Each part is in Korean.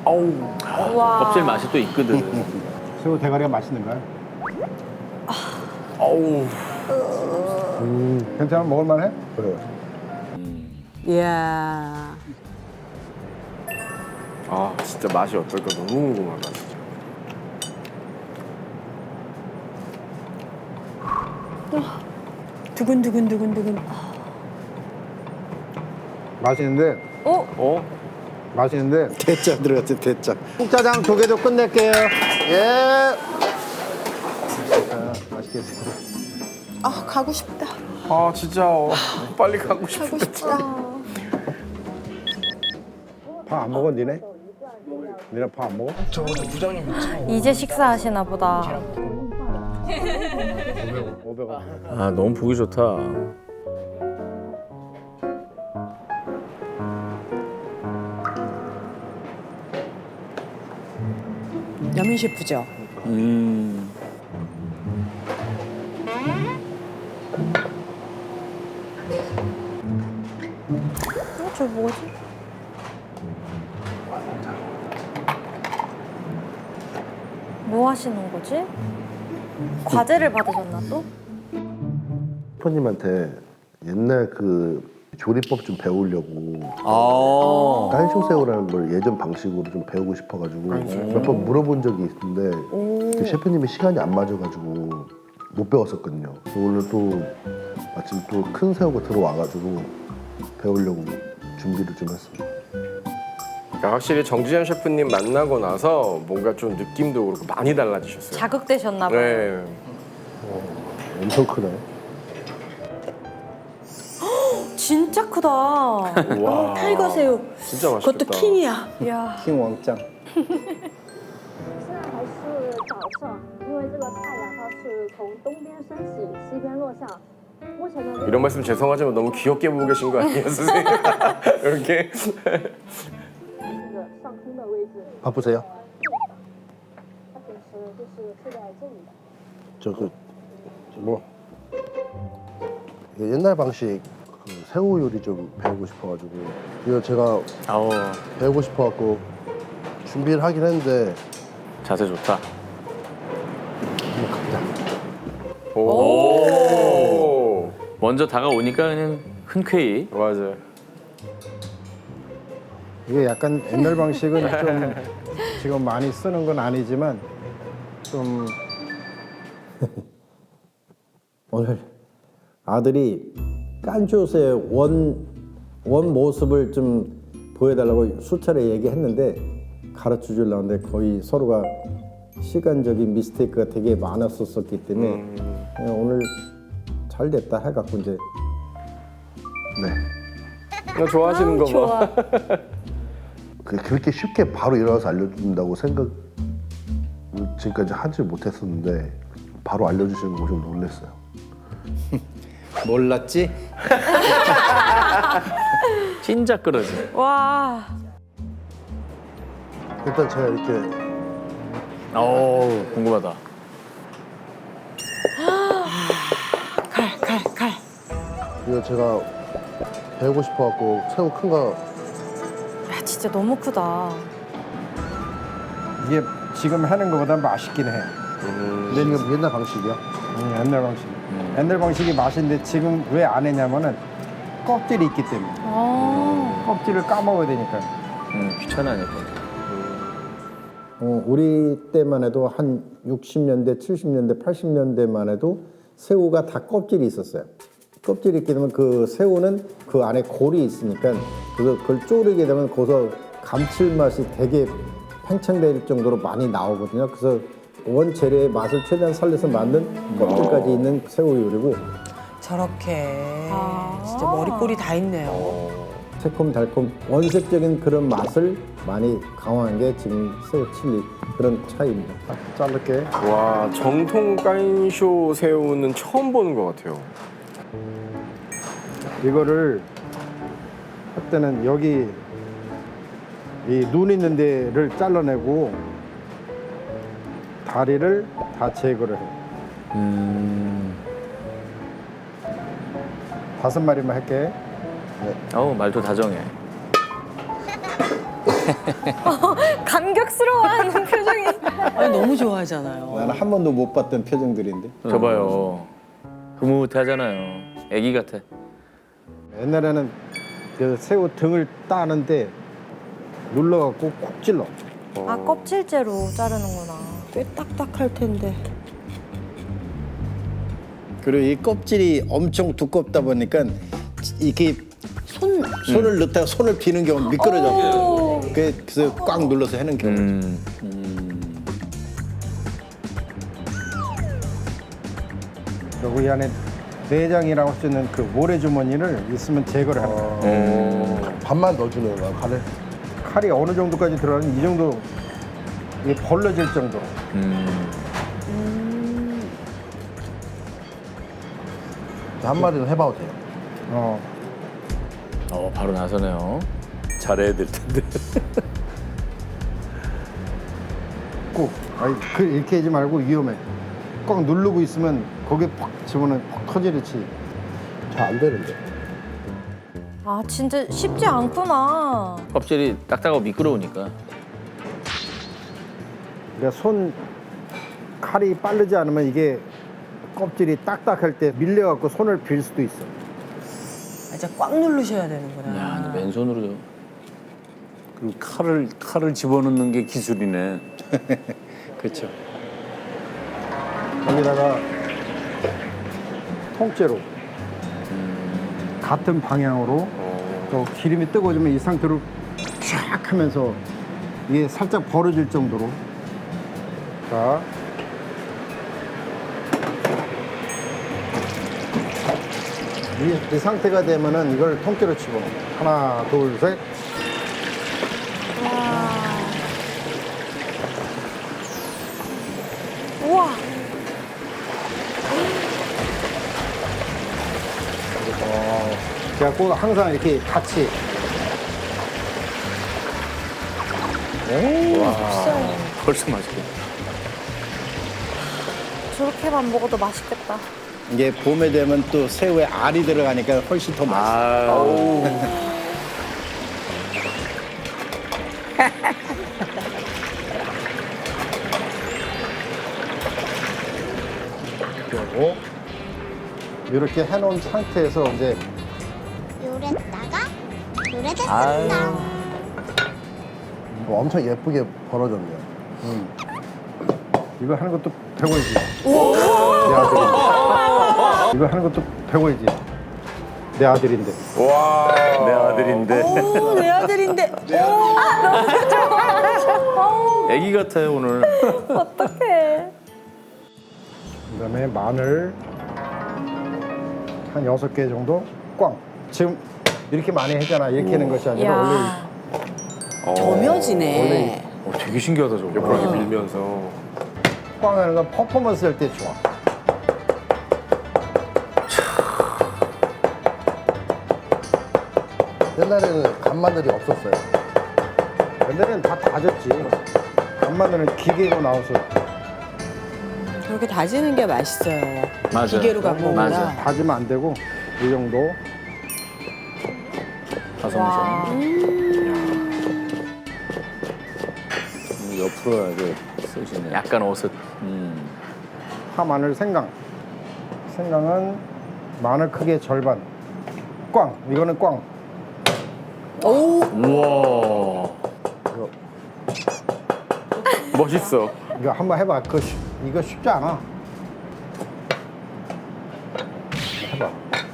어우, 와. 껍질 맛이 또 있거든. 새우 대가리가 맛있는가요? 어우. 괜찮아? 먹을만해? 그래. 이야. 아 진짜 맛이 어떨까 너무 궁금하다 진짜. 두근두근두근두근. 맛있는데 어? 맛있는데 대짜 들어갔지, 대짜. 국자장 두 개 더 끝낼게요. 예. 자, 맛있게 드세요. 아 가고 싶다. 아 진짜 빨리 가고 싶어. 가고 싶다. 밥 안 먹어 니네? 니네 밥 안 먹어? 이제 식사하시나 보다. 500원. 아, 너무 보기 좋다. 여민 셰프죠. 음. 저 뭐지? 뭐 하시는 거지? 과제를 받으셨나 또? 셰프님한테 옛날 그 조리법 좀 배우려고 아. 깐쇼새우라는 걸 예전 방식으로 좀 배우고 싶어가지고 몇 번 물어본 적이 있는데 그 셰프님이 시간이 안 맞아가지고 못 배웠었거든요. 그래서 오늘 또 마침 또 큰 새우가 들어와가지고 배우려고 준비를 좀 했습니다. 그러니까 확실히 정지현 셰프님 만나고 나서 뭔가 좀 느낌도 그렇고 많이 달라지셨어요. 자극되셨나 봐요. 네. 엄청 크네. 진짜 크다. 와. 타이거 새우. 진짜 맛있겠다. 그것도 킹이야. 이야. 킹 왕짱. 现在还是早上，因为这个太阳它是从东边升起，西边落下。目前呢， 이런 말씀 죄송하지만 너무 귀엽게 보고 계신 거 아니에요, 선생님? 이렇게. 这个上空的位置， 바쁘세요? 它平时就是睡在这里的。 저 그 뭐 옛날 방식 그 새우 요리 좀 배우고 싶어가지고 이거 제가 아우, 배우고 싶어갖고 준비를 하긴 했는데 자세 좋다. 한번 가자. 오. 먼저 다가오니까 그냥 흔쾌히. 맞아요. 이게 약간 옛날 방식은 좀 지금 많이 쓰는 건 아니지만 좀 오늘 아들이 깐쇼새 원 모습을 좀 보여달라고 수차례 얘기했는데 가르쳐 주려고 하는데 거의 서로가 시간적인 미스테이크가 되게 많았었기 때문에 그냥 오늘 잘 됐다 해갖고 이제 네. 그냥 좋아하시는 거 뭐. 그렇게 쉽게 바로 일어나서 알려준다고 생각 지금까지 하지 못했었는데 바로 알려주시는 거 좀 놀랐어요. 몰랐지? 찐작 그러지. 와. 일단 제가 이렇게 어우, 궁금하다. 칼. 이거 제가 배우고 싶어갖고 새우 큰 거 야, 진짜 너무 크다. 이게 지금 하는 것보다 맛있긴 해. 지금 옛날 방식이야. 옛날 방식. 옛날 방식이 맛있는데 지금 왜 안 했냐면은 껍질이 있기 때문에. 껍질을 까먹어야 되니까. 귀찮아니까. 우리 때만 해도 한 60년대, 70년대, 80년대만 해도 새우가 다 껍질이 있었어요. 껍질이 있게 되면 그 새우는 그 안에 골이 있으니까 그걸 쪼르게 되면 거기서 감칠맛이 되게 팽창될 정도로 많이 나오거든요. 그래서 원재료의 맛을 최대한 살려서 만든 껍질까지 있는 새우 요리고 저렇게 진짜 머리꼬리 다 있네요. 새콤달콤 원색적인 그런 맛을 많이 강화한 게 지금 새우 칠리 그런 차이입니다. 자를게. 와, 정통 깐쇼 새우는 처음 보는 것 같아요. 이거를 할 때는 여기 이 눈 있는 데를 잘라내고 다리를 다 제거를 해. 5마리만 할게. 어우, 말도 다정해. 간 너무 좋아하잖아요. 나는 한 번도 못 봤던 표정들인데. 저봐요. 흐뭇하잖아요. 애기 같아. 옛날에는 그 새우 등을 따는데 눌러갖고 콕 찔러. 아, 껍질째로 자르는구나. 꽤 딱딱할 텐데. 그리고 이 껍질이 엄청 두껍다 보니까 이렇게 손을 넣다가 손을 비는 경우 미끄러져. 그래서 꽉 눌러서 하는 경우. 그리고 이 안에 내장이라고 할 수 있는 그 모래 주머니를 있으면 제거를 하는 거예요. 반만 넣어주는 거야 칼을. 칼이 어느 정도까지 들어가면 이 정도 이게 벌러질 정도로. 한 마리는 해봐도 돼요. 바로 나서네요. 잘해야 될 텐데. 꼭 이렇게 하지 말고 위험해. 꽉 누르고 있으면 거기에 팍 집어넣으면 팍 터지듯이. 잘 안 되는데. 아, 진짜 쉽지 않구나. 껍질이 딱딱하고 미끄러우니까. 그러니까 손 칼이 빠르지 않으면 이게 껍질이 딱딱할 때 밀려갖고 손을 빌 수도 있어. 진짜 꽉 누르셔야 되는구나. 야, 근데 맨손으로. 그럼 칼을 집어넣는 게 기술이네. 그렇죠. 거기다가 통째로 같은 방향으로 또 기름이 뜨거워지면 이 상태로 쫙 하면서 이게 살짝 벌어질 정도로. 자, 이 상태가 되면은 이걸 통째로 집어넣어. 하나, 둘, 셋. 우와. 그래갖고 항상 이렇게 같이. 벌써 맛있게. 저렇게만 먹어도 맛있겠다. 이게 봄에 되면 또 새우에 알이 들어가니까 훨씬 더 맛있어. 그리고 이렇게 해놓은 상태에서 이제 요랬다가 요래졌습니다. 엄청 예쁘게 벌어졌네요. 이거 하는 것도 배워야지. 내 아들인데. 이거 하는 것도 배워야지. 내 아들인데. 내 아들인데. 오, 내 아들인데. 애기 같아요, 오늘. 어떡해. 그다음에 마늘 한 6개 정도 꽝. 지금 이렇게 많이 했잖아. 이렇게 하는 것이 아니라 원래 야. 점여지네. 되게 신기하다, 저거. 옆으로 이렇게 밀면서. 꽝 하는 건 퍼포먼스 할 때 좋아. 옛날에는 간마늘이 없었어요. 옛날에는 다 다졌지. 간마늘은 기계로 나와서 그렇게 다지는 게 맛있어요. 맞아요. 기계로 갖고 오구나. 맞아. 다지면 안 되고 이 정도. 다솜성. 옆으로 이렇게 쓰시네. 약간 어슷. 파, 마늘, 생강. 생강은 마늘 크기의 절반. 꽝. 이거는 꽝. 우와. 멋있어. 이거 한번 해봐. 이거 쉽지 않아. 해봐.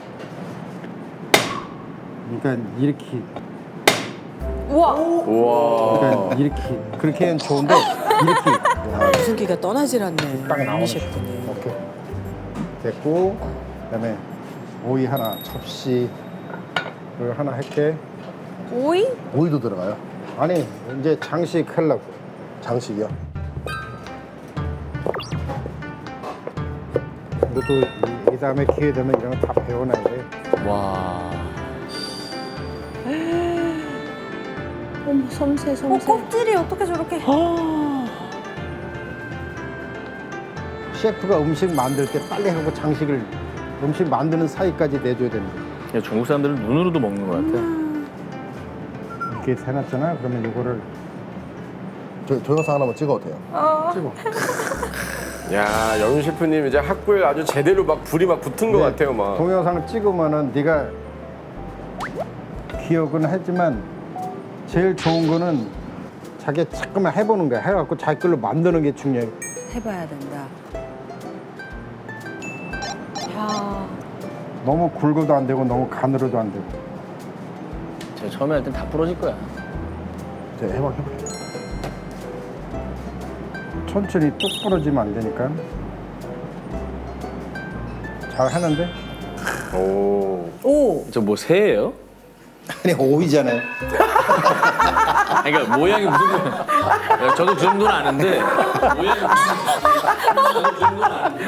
그러니까 이렇게. 우와. 우와. 그러니까 이렇게. 그렇게 하면 좋은데 이렇게. 유승기가 떠나질 않네. 딱 나오는 유미 셰프는. 오케이. 됐고. 그다음에 오이 하나, 접시 그걸 하나 할게. 오이? 오이도 들어가요. 아니 이제 장식 하려고. 장식이요. 이것도 이 다음에 기회 되면 이런 거 다 배워놔야 돼. 와. 어머, 섬세, 어, 섬세. 껍질이 어떻게 저렇게. 셰프가 음식 만들 때 빨리 하고 장식을 음식 만드는 사이까지 내줘야 됩니다. 야, 중국 사람들은 눈으로도 먹는 것 같아. 이렇게 해놨잖아. 그러면 이거를 저 동영상 하나만 찍어도 돼요? 야, 영윤 셰프님 이제 학구에 아주 제대로 막 불이 막 붙은 것 네, 같아요, 막. 동영상을 찍으면은 네가 기억은 하지만 제일 좋은 거는 자기 자꾸만 해보는 거야. 해갖고 자기 걸로 만드는 게 중요해. 해봐야 된다. 야. 너무 굵어도 안 되고 너무 가늘어도 안 되고. 제가 처음에 할 땐 다 부러질 거야. 제가 해볼게요. 천천히 뚝 부러지면 안 되니까. 잘 하는데? 오. 오! 저 뭐 새예요? 아니 오이잖아요. 아니, 그러니까 모양이 무슨 모양? 저도 그 정도는 아는데 모양이 저도 그 정도는 아는데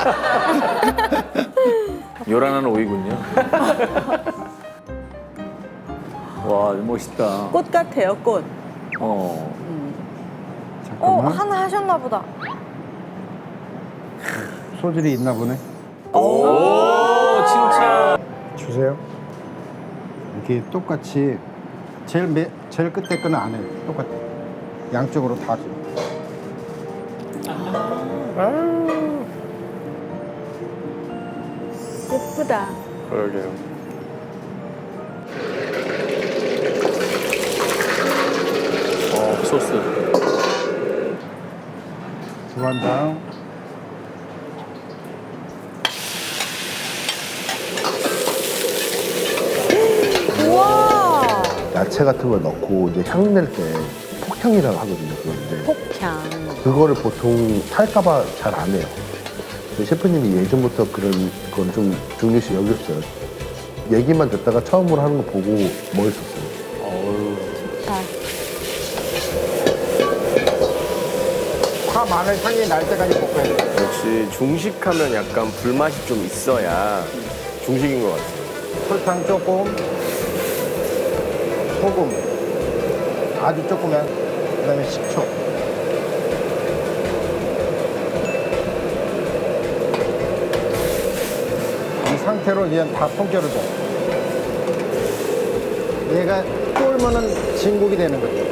요란한 오이군요. 와 멋있다. 꽃 같아요, 꽃. 잠깐만. 하나 하셨나 보다. 소질이 있나 보네. 오, 칭찬. 주세요. 이렇게 똑같이 제일 끝에 거는 안 해. 똑같아. 양쪽으로 다 줘. 예쁘다. 그러게요. 소스. 두반장. 우와. 야채 같은 걸 넣고 이제 향 낼 때 폭향이라고 하거든요. 그런데 폭향. 그거를 보통 탈까봐 잘 안 해요. 근데 셰프님이 예전부터 그런 건 좀 중요시 여겼어요. 얘기만 듣다가 처음으로 하는 거 보고 멋있었어요. 파 마늘 향이 날 때까지 볶아야 돼. 역시 중식하면 약간 불맛이 좀 있어야 중식인 것 같아요. 설탕 조금, 소금 아주 조금만, 그다음에 식초. 이 상태로 그냥 다 통째로 줘. 얘가 쫄면은 진국이 되는 거죠.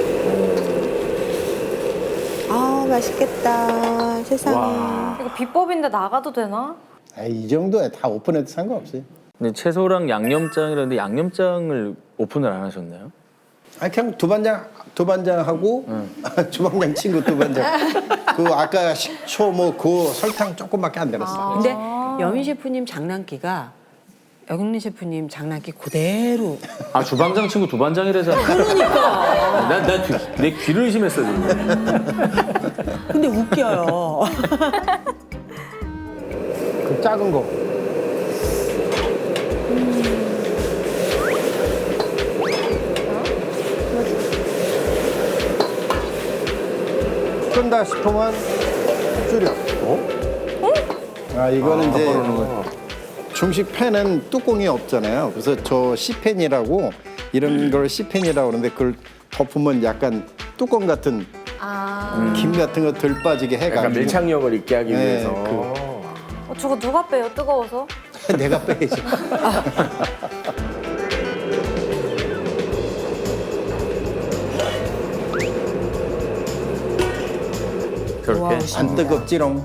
아, 맛있겠다. 세상에. 이거 비법인데 나가도 되나? 이 정도야 다 오픈해도 상관없어요. 근데 채소랑 양념장이라는데 양념장을 오픈을 안 하셨나요? 그냥 두반장하고 주방장 친구 두반장. 그 아까 식초 뭐 그 설탕 조금밖에 안 들었어. 근데 여민 셰프님 장난기가 여경민 셰프님 장난기 그대로. 아, 주방장 친구 두반장이라잖아. 그러니까. 내 귀를 의심했어, 지금. 근데 웃겨요. 그 작은 거. 끈다 싶으면 줄여. 이거는 이제 중식 팬은 뚜껑이 없잖아요. 그래서 저 C팬이라고 이런 걸 C팬이라고 그러는데 그걸 덮으면 약간 뚜껑 같은 김 같은 거 덜 빠지게 해가지고. 약간 밀착력을 있게 하기 네, 위해서. 저거 누가 빼요? 뜨거워서? 내가 빼야지. 저렇게. 안 뜨겁지롱.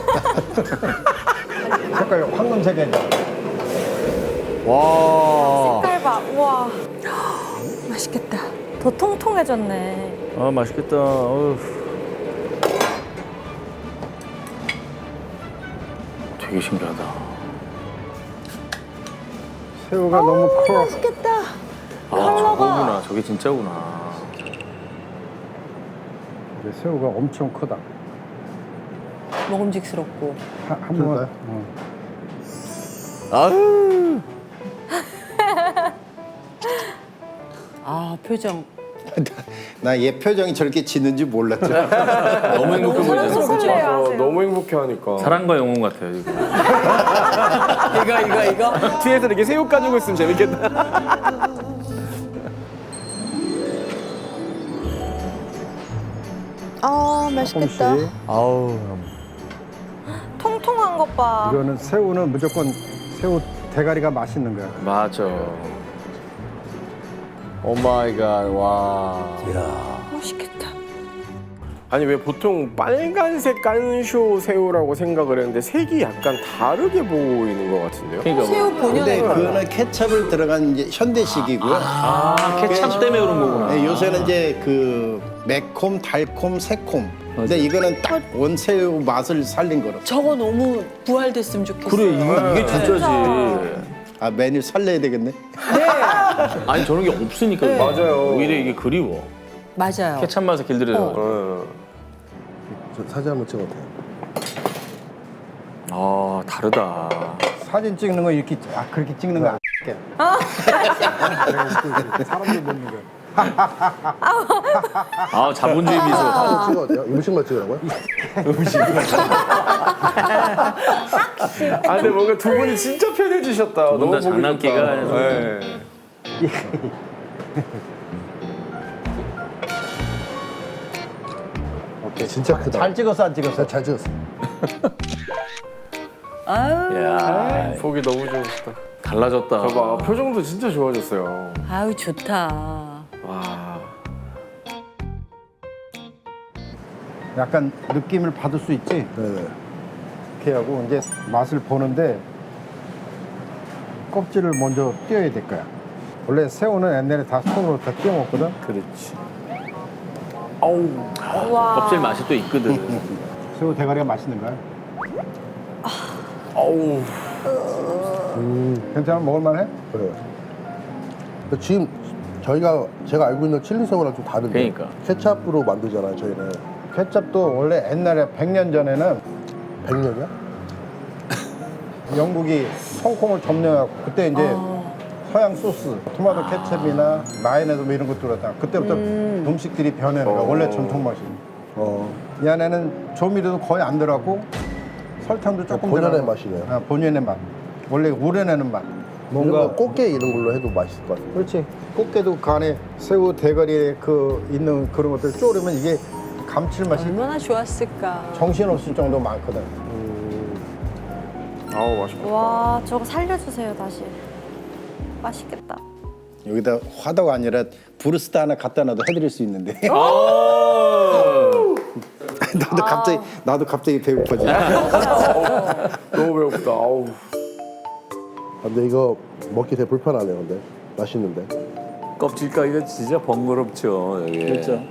색깔 황금색이야. 와. 색깔 봐. 우와. 맛있겠다. 더 통통해졌네. 아, 맛있겠다. 어휴. 되게 신기하다. 새우가 너무 커. 맛있겠다. 아, 저거구나. 저게 진짜구나. 이제 새우가 엄청 크다. 먹음직스럽고. 한번 아유. 아, 표정. 나 얘 표정이 저렇게 짓는지 몰랐죠. 너무 행복해 보이잖아. 설레요, 어, 하세요. 너무 행복해 하니까. 사랑과 영혼 같아요, 지금. 이거. 뒤에서 이렇게 새우 까주고 있으면 재밌겠다. 아, 맛있겠다. 조금씩. 아우. 통통한 것 봐. 이거는 새우는 무조건 새우 대가리가 맛있는 거야. 맞아. 오 마이 갓. 와. 맛있겠다. 아니 왜 보통 빨간색 깐쇼 새우라고 생각을 했는데 색이 약간 다르게 보이는 것 같은데요? 그러니까 뭐. 새우 본연의 근데 그거는 케첩을 들어간 이제 현대식이고요. 케찹 때문에 그런 거구나. 네, 요새는 이제 그 매콤, 달콤, 새콤. 근데 이거는 딱 원새우 맛을 살린 거로. 저거 너무 부활됐으면 좋겠어요. 그래 이게 진짜지. 아 메뉴 살려야 되겠네. 아니 저런 게 없으니까 맞아요. 오히려 이게 그리워. 맞아요. 케찹 맛에 길들여져. 어. 저 사진 한번 찍어도 돼요? 아 다르다. 사진 찍는 거 이렇게 그렇게 찍는 거 안. 사람들 먹는 거. 아 자본주의 미소. 사진 찍어도 돼요? 음식만 찍으라고요? 아 근데 뭔가 두 분이 진짜 편해지셨다. 두 분 너무 다 보기 장난기가 좋다. 아니라. 네. 오케이. 진짜 크다. 잘 찍었어 안 찍었어? 잘 찍었어. 야 보기 너무 좋으시다. 달라졌다. 봐봐 표정도 진짜 좋아졌어요. 아유 좋다. 와. 약간 느낌을 받을 수 있지. 네네. 이렇게 하고 이제 맛을 보는데 껍질을 먼저 띄어야 될 거야. 원래 새우는 옛날에 다 손으로 다 띄어 먹거든. 그렇지. 껍질 맛이 또 있거든. 새우 대가리가 맛있는 거야. 어우. 괜찮아? 먹을만해? 그래요. 근데 지금 제가 알고 있는 칠리 새우랑 좀 다른데. 그러니까. 케찹으로 만들잖아요, 저희는. 케첩도 원래 옛날에 100년 전에는 100년이야? 영국이 홍콩을 점령하고 그때 이제 서양 소스, 토마토 케첩이나 마요네즈 뭐 이런 것들 갖다가 그때부터 음식들이 변해는 거야. 원래 전통 맛이. 이 안에는 조미료도 거의 안 들어가고 설탕도 조금 본연의 들어가고. 맛이네요. 아, 본연의 맛. 원래 우려내는 맛. 뭔가 꽃게 이런 걸로 해도 맛있을 것 같아요. 그렇지. 꽃게도 그 안에 새우 대가리에 그 있는 그런 것들 쪼르면 이게 감칠맛이 얼마나 좋았을까. 정신없을 정도 많거든. 아우 맛있다. 와 저거 살려주세요 다시. 맛있겠다. 여기다 화덕 아니라 브루스타 하나 갖다 놔도 해드릴 수 있는데. 나도 갑자기 배고파지. 너무 배고프다. 아우. 근데 이거 먹기 되게 불편하네요, 근데. 맛있는데. 껍질 까기가 진짜 번거롭죠. 여기. 그렇죠.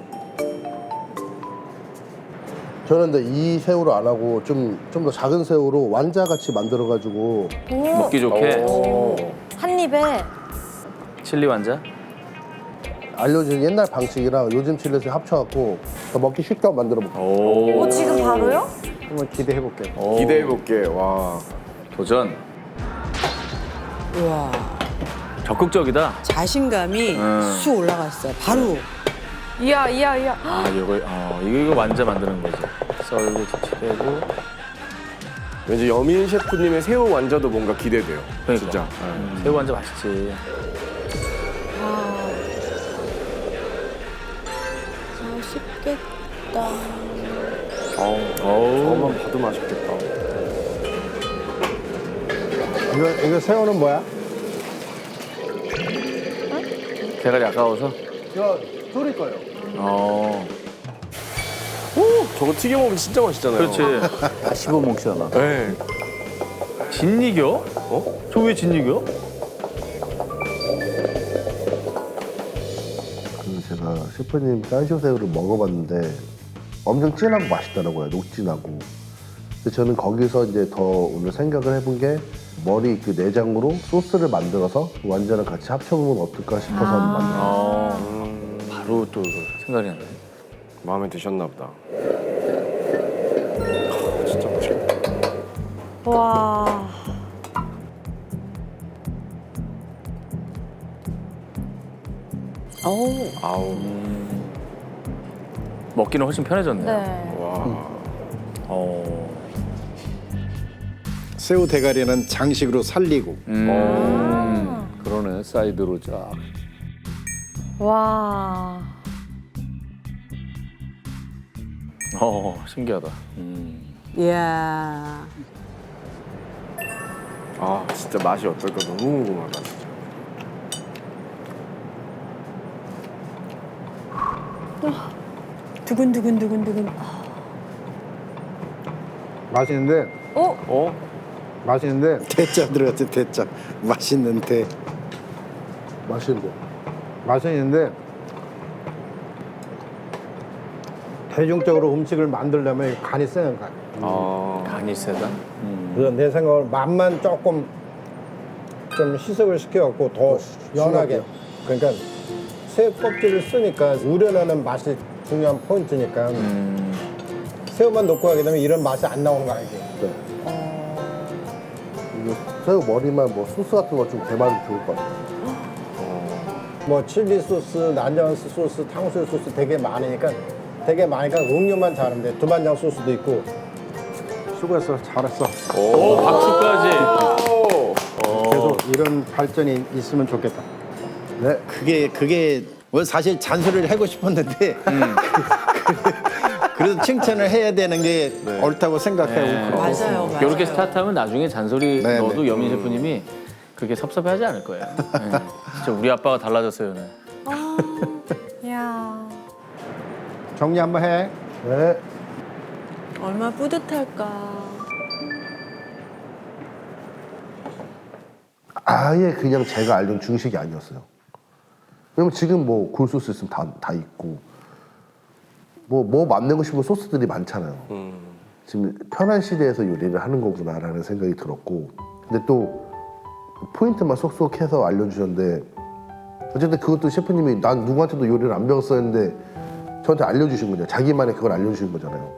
저는 근데 이 새우로 안 하고 좀 더 작은 새우로 완자같이 만들어가지고 먹기 좋게. 한 입에 칠리 완자. 알려진 옛날 방식이랑 요즘 칠레스 합쳐갖고 더 먹기 쉽게 만들어 볼게요. 오 지금 바로요? 한번 기대해 볼게. 기대해 볼게. 와. 도전. 우와. 적극적이다. 자신감이 쑥 올라갔어요. 바로. 이야. 아 이거 완자 만드는 거지. 썰고 칠하고. 왠지 여민 셰프님의 새우 완자도 뭔가 기대돼요. 그러니까. 진짜. 새우 완자 맛있지. 맛있겠다. 저것만 봐도 맛있겠다. 이거 새우는 뭐야? 대가리 아까워서. 이거 졸일 거예요. 저거 튀겨 먹으면 진짜 맛있잖아요. 그렇지. 다 씹어 먹잖아. 네. 진이겨? 저 왜 진이겨? 제가 셰프님 깐쇼 새우를 먹어봤는데 엄청 진하고 맛있더라고요. 녹진하고. 근데 저는 거기서 이제 더 오늘 생각을 해본 게 머리 그 내장으로 소스를 만들어서 완자랑 같이 합쳐보면 어떨까 싶어서 만들었어요. 바로 또 생각이 나네. 마음에 드셨나 보다. 진짜 맛있겠다. 와. 아우. 먹기는 훨씬 편해졌네. 네. 와. 새우 대가리는 장식으로 살리고. 그러네, 사이드로 쫙. 와. 신기하다. 이야. 아 진짜 맛이 어떨까 너무 궁금하다. 진짜. 두근두근두근두근. 맛있는데 맛있는데 대짜 들어갔지 대짜. 맛있는 대. 맛있는데 대중적으로 음식을 만들려면 간이 세는 거야. 간이 세다. 그래서 내 생각으로 맛만 조금 좀 희석을 시켜갖고 더 연하게. 그러니까 새우 껍질을 쓰니까 우려내는 맛이 중요한 포인트니까 새우만 넣고 하게 되면 이런 맛이 안 나오는 거 알지? 이거 새우 머리만 뭐 소스 같은 거 좀 대만 좋을 것 같아요. 뭐 칠리 소스, 난장스 소스, 탕수육 소스 되게 많으니까 음료만 잘하면 돼. 두반장 소스도 있고. 수고했어, 잘했어. 오, 박수까지. 계속 이런 발전이 있으면 좋겠다. 네. 그게 뭐 사실 잔소리를 하고 싶었는데 그래도 칭찬을 해야 되는 게 옳다고 생각하고 맞아요, 맞아요. 이렇게 스타트하면 나중에 잔소리 네, 넣어도 네. 여민 셰프님이 그렇게 섭섭해하지 않을 거예요. 네. 진짜 우리 아빠가 달라졌어요, 오늘. 야. 정리 한번 해. 네. 얼마나 뿌듯할까. 아예 그냥 제가 알던 중식이 아니었어요. 왜냐면 지금 뭐 굴소스 있으면 다 있고 뭐 만들고 싶은 소스들이 많잖아요. 지금 편한 시대에서 요리를 하는 거구나라는 생각이 들었고, 근데 또 포인트만 쏙쏙 해서 알려주셨는데, 어쨌든 그것도 셰프님이 난 누구한테도 요리를 안 배웠어 했는데 저한테 알려주신 거잖아요. 자기만의 그걸 알려주신 거잖아요.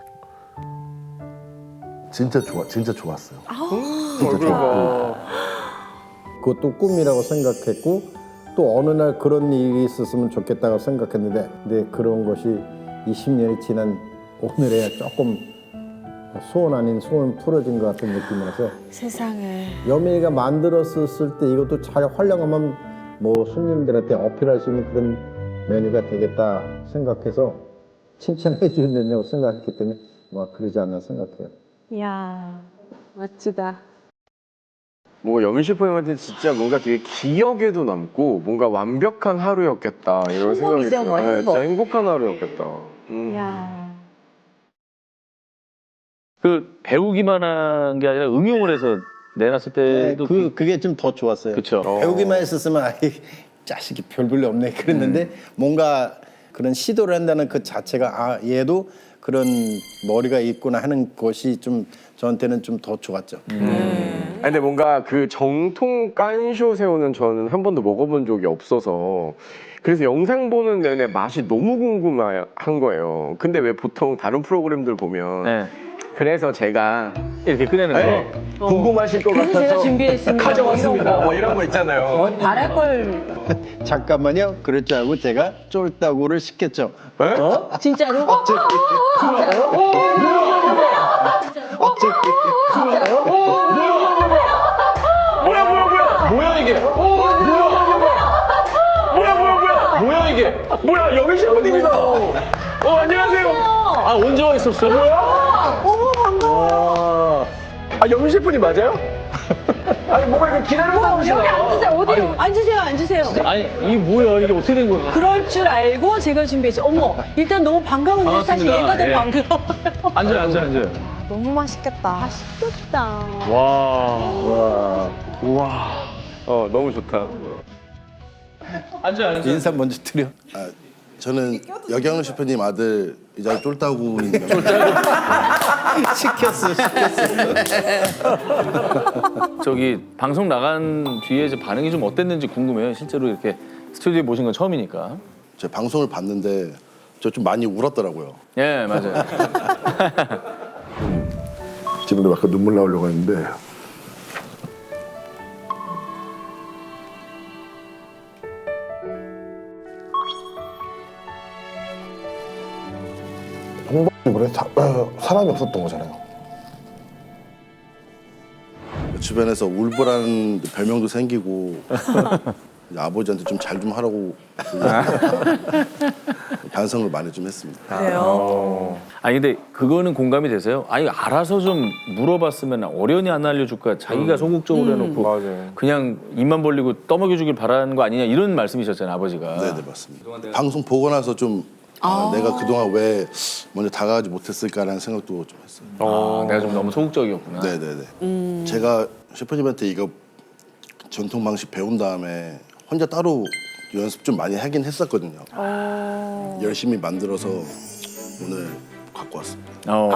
진짜 좋았어요. 진짜 좋았고. 그것도 꿈이라고 생각했고 또 어느 날 그런 일이 있었으면 좋겠다고 생각했는데 근데 그런 것이 20년이 지난 오늘에야 조금 소원 아닌 소원 풀어진 것 같은 느낌이라서 세상에. 여민이가 만들었을 때 이것도 잘 활용하면 뭐 손님들한테 어필할 수 있는 그런 메뉴가 되겠다 생각해서 칭찬해 주는다고 생각했기 때문에 뭐 그러지 않나 생각해요. 야. 멋지다. 뭐 여민 셰프님한테 진짜 뭔가 되게 기억에도 남고 뭔가 완벽한 하루였겠다 이런 생각이 들어요. 네, 진짜 행복한 하루였겠다. 야. 그 배우기만 한 게 아니라 응용을 해서 내놨을 때도 그게 좀 더 좋았어요. 그쵸. 배우기만 했었으면 아이 자식이 별볼일 없네 그랬는데 뭔가 그런 시도를 한다는 그 자체가 아 얘도 그런 머리가 있구나 하는 것이 좀 저한테는 좀 더 좋았죠. 아니, 근데 뭔가 그 정통 깐쇼 새우는 저는 한 번도 먹어본 적이 없어서 그래서 영상 보는 내내 맛이 너무 궁금한 거예요. 근데 왜 보통 다른 프로그램들 보면 네. 그래서 제가 이렇게 꺼내는 네, 거. 궁금하실 것 같아서 제가 준비했습니다. 가져왔습니다. 뭐 이런 거 있잖아요. 바랄 걸. 잠깐만요. 그럴 줄 알고 제가 쫄따구를 시켰죠. 진짜로? 뭐야 이게? 뭐야 이게? 뭐야 여민 셰프님이다. 안녕하세요. 아 언제 와 있었어? 아 여민 셰프님 맞아요? 아니 뭔가 이거 기다리고 나오시나요? 어디로? 앉으세요. 아니 이게 뭐야 이게 어떻게 된 거야? 그럴 줄 알고 제가 준비했어요. 어머, 일단 너무 반가운데 사실 반갑습니다. 얘가 더 예. 반가워요. 앉아요. 너무 맛있겠다. 맛있겠다. 와. 너무 좋다. 앉아요. 인사 먼저 드려. 저는 여경훈 셰프님 아들 이자 쫄따구입니다. 시켰어. 저기 방송 나간 뒤에 이제 반응이 좀 어땠는지 궁금해요. 실제로 이렇게 스튜디오에 모신 건 처음이니까. 제 방송을 봤는데 저 좀 많이 울었더라고요. 예, 맞아요. 지금도 약간 눈물 나오려고 했는데 그래 사람이 없었던 거잖아요. 주변에서 울보라는 별명도 생기고 아버지한테 좀 잘 좀 하라고 반성을 많이 좀 했습니다. 그래요? 아니 근데 그거는 공감이 되세요? 아니 알아서 좀 물어봤으면 어련히 안 알려줄까 자기가 소극적으로 해놓고 맞아요. 그냥 입만 벌리고 떠먹여주길 바라는 거 아니냐 이런 말씀이셨잖아요 아버지가. 네네 맞습니다. 방송 보고 나서 좀 내가 그동안 왜 먼저 다가가지 못했을까라는 생각도 좀 했어요. 내가 좀 너무 소극적이었구나. 네네네. 제가 셰프님한테 이거 전통 방식 배운 다음에 혼자 따로 연습 좀 많이 하긴 했었거든요. 열심히 만들어서 오늘 갖고 왔습니다.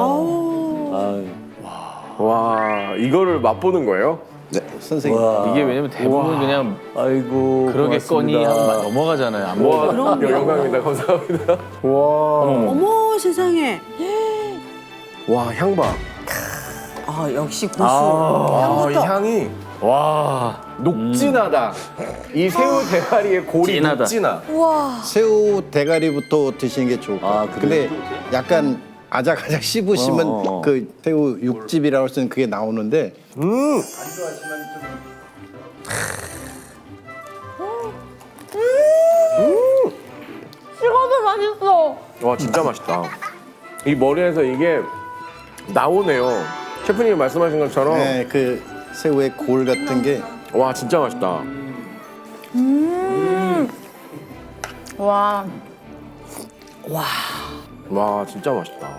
와 이거를 맛보는 거예요? 네, 선생님. 이게 왜냐면 대부분 그냥 아이고 그러겠거니 고맙습니다. 하고 넘어가잖아요. 안 와 먹어도. 영광입니다. 감사합니다. 어머 세상에. 와 향봐. 아 역시 고수. 이 향이 와. 녹진하다. 이 새우 대가리의 골이 진하다. 녹진하. 새우 대가리부터 드시는 게 좋을 것 같아요. 근데 약간 아작아작 씹으시면 그 새우 육즙이라고 할 수 있는 그게 나오는데 식어도 맛있어. 와 진짜 맛있다. 이 머리에서 이게 나오네요. 셰프님이 말씀하신 것처럼 네, 그 새우의 골 같은 게 와 진짜 맛있다. 와. 와 진짜 맛있다.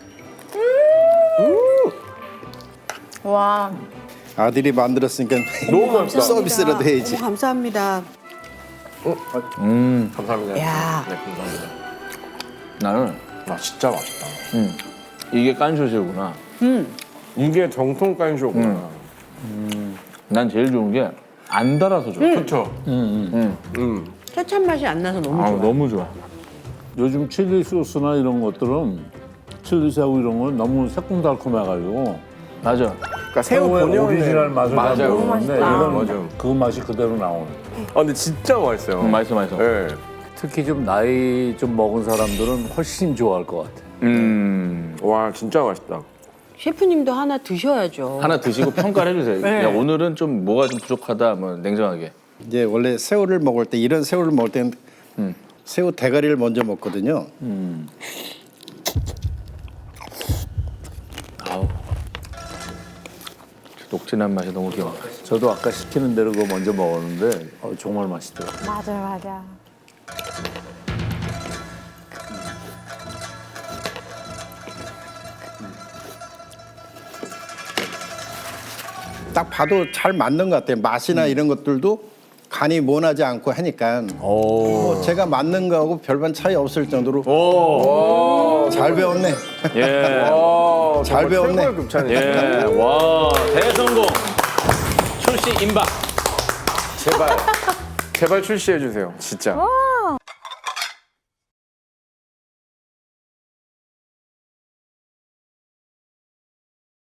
와. 아들이 만들었으니까 너무 맛있다. 서비스라도 해야지. 너무 감사합니다. 감사합니다. 야. 네 감사합니다. 나는 와 진짜 맛있다. 이게 깐쇼새우구나. 이게 정통 깐쇼구나. 난 제일 좋은 게 안 달아서 좋아. 그렇죠. 케찹 맛이 안 나서 너무 아, 좋아. 너무 좋아. 요즘 칠리 소스나 이런 것들은 칠리 새우 이런 건 너무 새콤달콤해가지고 맞아. 그러니까 새우 새우의 본연의 오리지널 맛을 다 맞아요. 모르는데 맛있다. 이건 맞아요. 그 맛이 그대로 나오네. 아 근데 진짜 맛있어요. 맛있어, 맛있어. 네. 특히 좀 나이 좀 먹은 사람들은 훨씬 좋아할 것 같아. 와 진짜 맛있다. 셰프님도 하나 드셔야죠. 하나 드시고 평가를 해주세요. 네. 야, 오늘은 좀 뭐가 좀 부족하다, 뭐 냉정하게. 이제 원래 새우를 먹을 때 이런 새우를 먹을 때는 새우 대가리를 먼저 먹거든요. 아우. 녹진한 맛이 너무 좋아. 저도 아까 시키는 대로 그거 먼저 먹었는데 정말 맛있더라고요. 맞아, 맞아. 딱 봐도 잘 맞는 것 같아요. 맛이나 이런 것들도 간이 모나지 않고 하니까 뭐 제가 맞는 거하고 별반 차이 없을 정도로 잘 배웠네. 예. 잘 배웠네. 최고의 급찬이에요. 예. 와, 대성공. 출시 임박. 제발 출시해 주세요. 진짜.